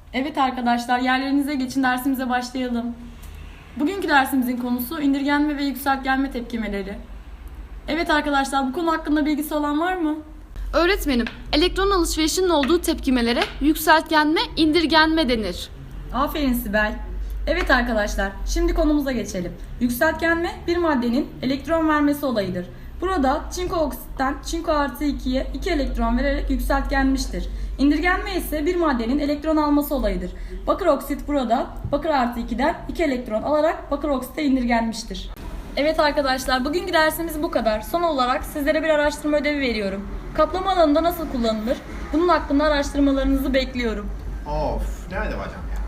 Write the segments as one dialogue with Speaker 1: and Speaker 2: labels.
Speaker 1: Evet arkadaşlar, yerlerinize geçin, dersimize başlayalım. Bugünkü dersimizin konusu indirgenme ve yükseltgenme tepkimeleri. Evet arkadaşlar, bu konu hakkında bilgisi olan var mı?
Speaker 2: Öğretmenim, elektron alışverişinin olduğu tepkimelere yükseltgenme, indirgenme denir.
Speaker 1: Aferin Sibel. Evet arkadaşlar, şimdi konumuza geçelim. Yükseltgenme bir maddenin elektron vermesi olayıdır. Burada çinko oksitten çinko artı 2'ye 2 elektron vererek yükseltgenmiştir. İndirgenme ise bir maddenin elektron alması olayıdır. Bakır oksit burada bakır artı 2'den 2 elektron alarak bakır oksite indirgenmiştir. Evet arkadaşlar, bugünkü dersimiz bu kadar. Son olarak sizlere bir araştırma ödevi veriyorum. Kaplama alanında nasıl kullanılır? Bunun hakkında araştırmalarınızı bekliyorum.
Speaker 3: Of, nerede hocam ya?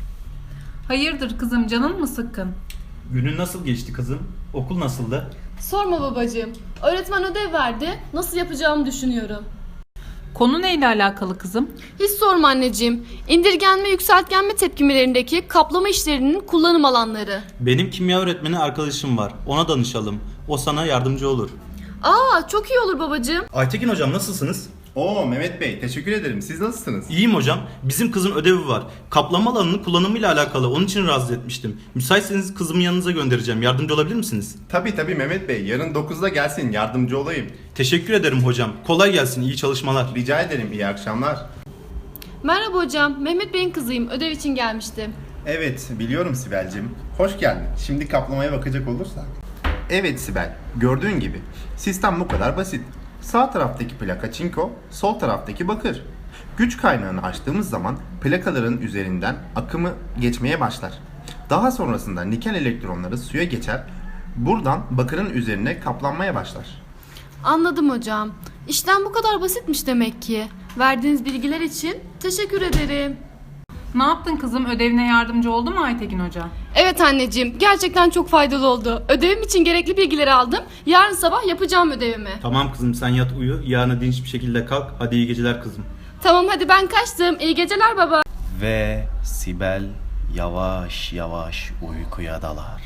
Speaker 4: Hayırdır kızım, canın mı sıkkın?
Speaker 5: Günün nasıl geçti kızım? Okul nasıldı?
Speaker 2: Sorma babacığım. Öğretmen ödev verdi. Nasıl yapacağımı düşünüyorum.
Speaker 4: Konu neyle alakalı kızım?
Speaker 2: Hiç sorma anneciğim. İndirgenme, yükseltgenme tepkimelerindeki kaplama işlerinin kullanım alanları.
Speaker 5: Benim kimya öğretmeni arkadaşım var. Ona danışalım. O sana yardımcı olur.
Speaker 2: Aa, çok iyi olur babacığım.
Speaker 5: Aytekin hocam nasılsınız?
Speaker 3: Oo Mehmet Bey, teşekkür ederim. Siz nasılsınız?
Speaker 5: İyiyim hocam. Bizim kızın ödevi var. Kaplama alanının kullanımıyla alakalı. Onun için rahatsız etmiştim. Müsaitseniz kızımı yanınıza göndereceğim. Yardımcı olabilir misiniz?
Speaker 3: Tabii Mehmet Bey, yarın 9'da gelsin, yardımcı olayım.
Speaker 5: Teşekkür ederim hocam. Kolay gelsin. İyi çalışmalar.
Speaker 3: Rica ederim, iyi akşamlar.
Speaker 2: Merhaba hocam. Mehmet Bey'in kızıyım. Ödev için gelmiştim.
Speaker 3: Evet, biliyorum Sibel'cim. Hoş geldin. Şimdi kaplamaya bakacak olursak. Evet Sibel, gördüğün gibi sistem bu kadar basit. Sağ taraftaki plaka çinko, sol taraftaki bakır. Güç kaynağını açtığımız zaman plakaların üzerinden akımı geçmeye başlar. Daha sonrasında nikel elektronları suya geçer. Buradan bakırın üzerine kaplanmaya başlar.
Speaker 2: Anladım hocam. İşlem bu kadar basitmiş demek ki. Verdiğiniz bilgiler için teşekkür ederim.
Speaker 4: Ne yaptın kızım? Ödevine yardımcı oldu mu Aytekin Hoca?
Speaker 2: Evet anneciğim, gerçekten çok faydalı oldu. Ödevim için gerekli bilgileri aldım. Yarın sabah yapacağım ödevimi.
Speaker 5: Tamam kızım sen yat uyu. Yarına dinç bir şekilde kalk. Hadi iyi geceler kızım.
Speaker 2: Tamam hadi ben kaçtım. İyi geceler baba.
Speaker 6: Ve Sibel yavaş yavaş uykuya dalar.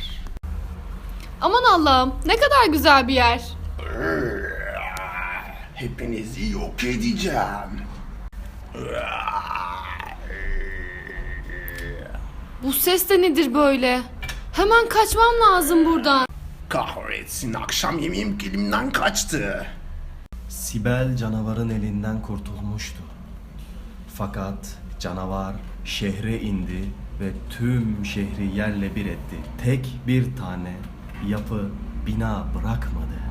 Speaker 2: Aman Allah'ım, ne kadar güzel bir yer.
Speaker 3: Hepinizi yok edeceğim.
Speaker 2: Bu ses de nedir böyle? Hemen kaçmam lazım buradan.
Speaker 3: Kahretsin, akşam yemeğim elimden kaçtı.
Speaker 6: Sibel canavarın elinden kurtulmuştu. Fakat canavar şehre indi ve tüm şehri yerle bir etti. Tek bir tane yapı, bina bırakmadı.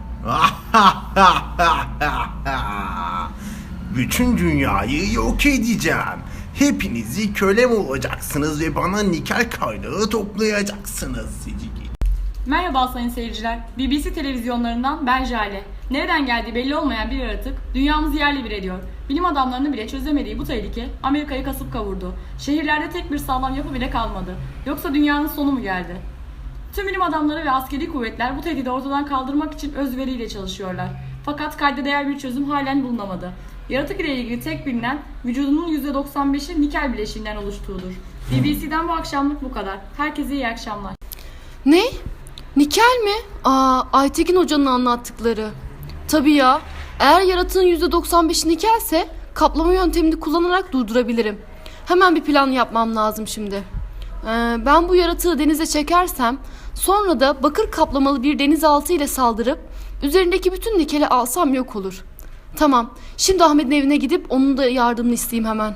Speaker 3: Bütün dünyayı yok edeceğim. Hepinizi kölem olacaksınız ve bana nikel kaynağı toplayacaksınız.
Speaker 1: Merhaba sayın seyirciler. BBC televizyonlarından ben Jale. Nereden geldiği belli olmayan bir yaratık dünyamızı yerle bir ediyor. Bilim adamlarının bile çözemediği bu tehlike Amerika'yı kasıp kavurdu. Şehirlerde tek bir sağlam yapı bile kalmadı. Yoksa dünyanın sonu mu geldi? Tüm bilim adamları ve askeri kuvvetler bu tehdidi ortadan kaldırmak için özveriyle çalışıyorlar. Fakat kayda değer bir çözüm halen bulunamadı. Yaratık ile ilgili tek bilinen vücudunun %95'i nikel bileşiğinden oluştuğudur. BBC'den bu akşamlık bu kadar. Herkese iyi akşamlar.
Speaker 2: Ne? Nikel mi? Aa, Aytekin hocanın anlattıkları. Tabii ya. Eğer yaratığın %95'i nikelse kaplama yöntemini kullanarak durdurabilirim. Hemen bir plan yapmam lazım şimdi. Ben bu yaratığı denize çekersem sonra da bakır kaplamalı bir denizaltı ile saldırıp üzerindeki bütün nikeli alsam yok olur. Tamam. Şimdi Ahmet'in evine gidip onun da yardımını isteyeyim hemen.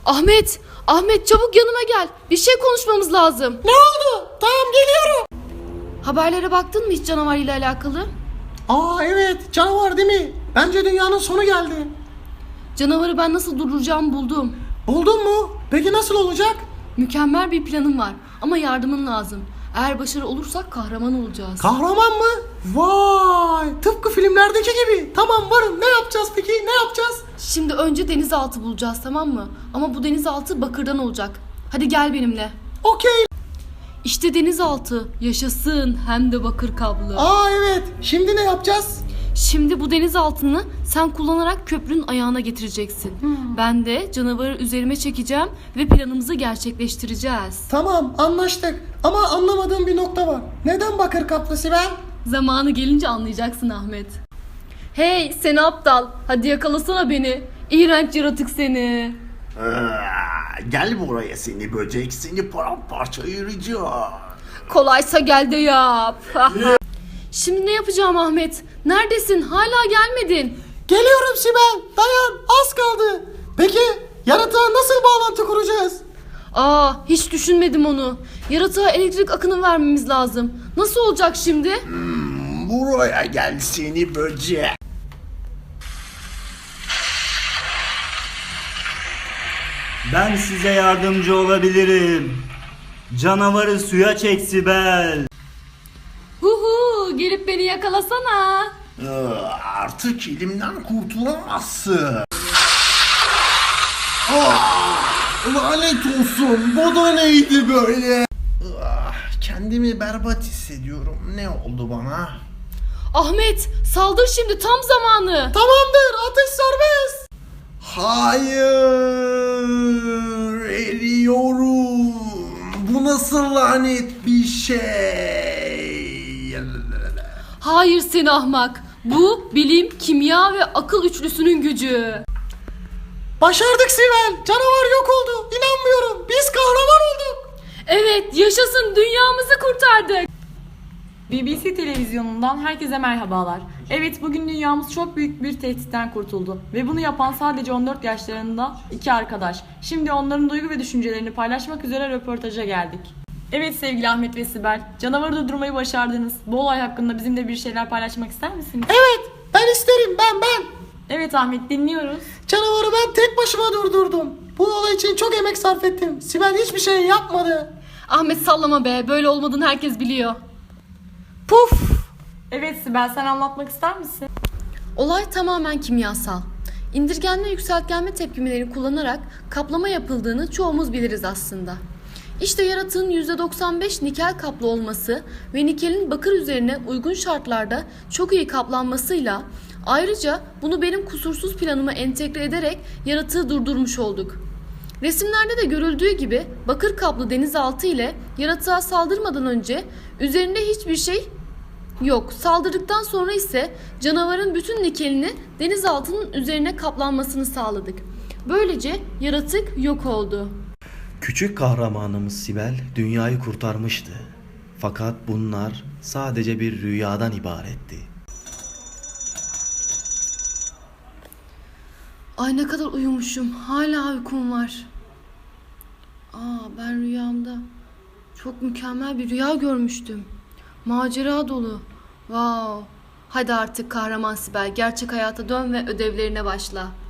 Speaker 2: Ahmet çabuk yanıma gel. Bir şey konuşmamız lazım. Ne oldu? Tamam geliyorum. Haberlere baktın mı hiç canavar ile alakalı?
Speaker 7: Aa evet, canavar değil mi? Bence dünyanın sonu geldi.
Speaker 2: Canavarı ben nasıl durduracağımı buldum.
Speaker 7: Buldun mu? Peki nasıl olacak?
Speaker 2: Mükemmel bir planım var ama yardımın lazım. Eğer başarı olursak kahraman olacağız.
Speaker 7: Kahraman mı? Vay! Tıpkı filmlerdeki gibi. Tamam varım. Ne yapacağız peki? Ne yapacağız?
Speaker 2: Şimdi önce denizaltı bulacağız, tamam mı? Ama bu denizaltı bakırdan olacak. Hadi gel benimle.
Speaker 7: Okey.
Speaker 2: İşte denizaltı. Yaşasın, hem de bakır kablo.
Speaker 7: Aa evet. Şimdi ne yapacağız?
Speaker 2: Şimdi bu denizaltını sen kullanarak köprünün ayağına getireceksin. Ben de canavarı üzerime çekeceğim ve planımızı gerçekleştireceğiz.
Speaker 7: Tamam anlaştık. Ama anlamadığım bir nokta var. Neden bakır kaplı Sibel?
Speaker 2: Zamanı gelince anlayacaksın Ahmet. Hey seni aptal. Hadi yakalasana beni. İğrenç yaratık seni.
Speaker 7: Gel buraya seni böcek, seni paramparça ayıracağım.
Speaker 2: Kolaysa gel de yap. Şimdi ne yapacağım Ahmet? Neredesin? Hala gelmedin.
Speaker 7: Geliyorum Sibel, dayan, az kaldı. Peki yaratığa nasıl bağlantı kuracağız?
Speaker 2: Hiç düşünmedim onu. Yaratığa elektrik akını vermemiz lazım. Nasıl olacak şimdi?
Speaker 7: Buraya gel seni böcek.
Speaker 8: Ben size yardımcı olabilirim. Canavarı suya çek Sibel.
Speaker 2: Huhu, gelip beni yakalasana.
Speaker 7: Artık elimden kurtulamazsın. Lanet olsun, bu da neydi böyle? Kendimi berbat hissediyorum. Ne oldu bana?
Speaker 2: Ahmet, saldır şimdi, tam zamanı.
Speaker 7: Tamamdır, atış serbest. Hayır, eriyorum. Bu nasıl lanet bir şey?
Speaker 2: Hayır seni ahmak. Bu bilim, kimya ve akıl üçlüsünün gücü.
Speaker 7: Başardık Sibel. Canavar yok oldu. İnanmıyorum. Biz kahraman olduk.
Speaker 2: Evet, yaşasın, dünyamızı kurtardık.
Speaker 1: BBC televizyonundan herkese merhabalar. Evet, bugün dünyamız çok büyük bir tehditten kurtuldu. Ve bunu yapan sadece 14 yaşlarında iki arkadaş. Şimdi onların duygu ve düşüncelerini paylaşmak üzere röportaja geldik. Evet sevgili Ahmet ve Sibel, canavarı durdurmayı başardınız. Bu olay hakkında bizimle bir şeyler paylaşmak ister misiniz?
Speaker 7: Evet, ben isterim. Ben.
Speaker 1: Evet Ahmet, dinliyoruz.
Speaker 7: Canavarı ben tek başıma durdurdum. Bu olay için çok emek sarf ettim. Sibel hiçbir şey yapmadı.
Speaker 2: Ahmet sallama be, böyle olmadığını herkes biliyor. Puf!
Speaker 1: Evet Sibel, sen anlatmak ister misin?
Speaker 2: Olay tamamen kimyasal. İndirgenme yükseltgenme tepkimelerini kullanarak kaplama yapıldığını çoğumuz biliriz aslında. İşte yaratığın %95 nikel kaplı olması ve nikelin bakır üzerine uygun şartlarda çok iyi kaplanmasıyla ayrıca bunu benim kusursuz planıma entegre ederek yaratığı durdurmuş olduk. Resimlerde de görüldüğü gibi bakır kaplı denizaltı ile yaratığa saldırmadan önce üzerinde hiçbir şey yok. Saldırdıktan sonra ise canavarın bütün nikelini denizaltının üzerine kaplanmasını sağladık. Böylece yaratık yok oldu.
Speaker 6: Küçük kahramanımız Sibel dünyayı kurtarmıştı. Fakat bunlar sadece bir rüyadan ibaretti.
Speaker 2: Ay ne kadar uyumuşum. Hala uykum var. Ben rüyamda çok mükemmel bir rüya görmüştüm. Macera dolu. Wow. Hadi artık kahraman Sibel, gerçek hayata dön ve ödevlerine başla.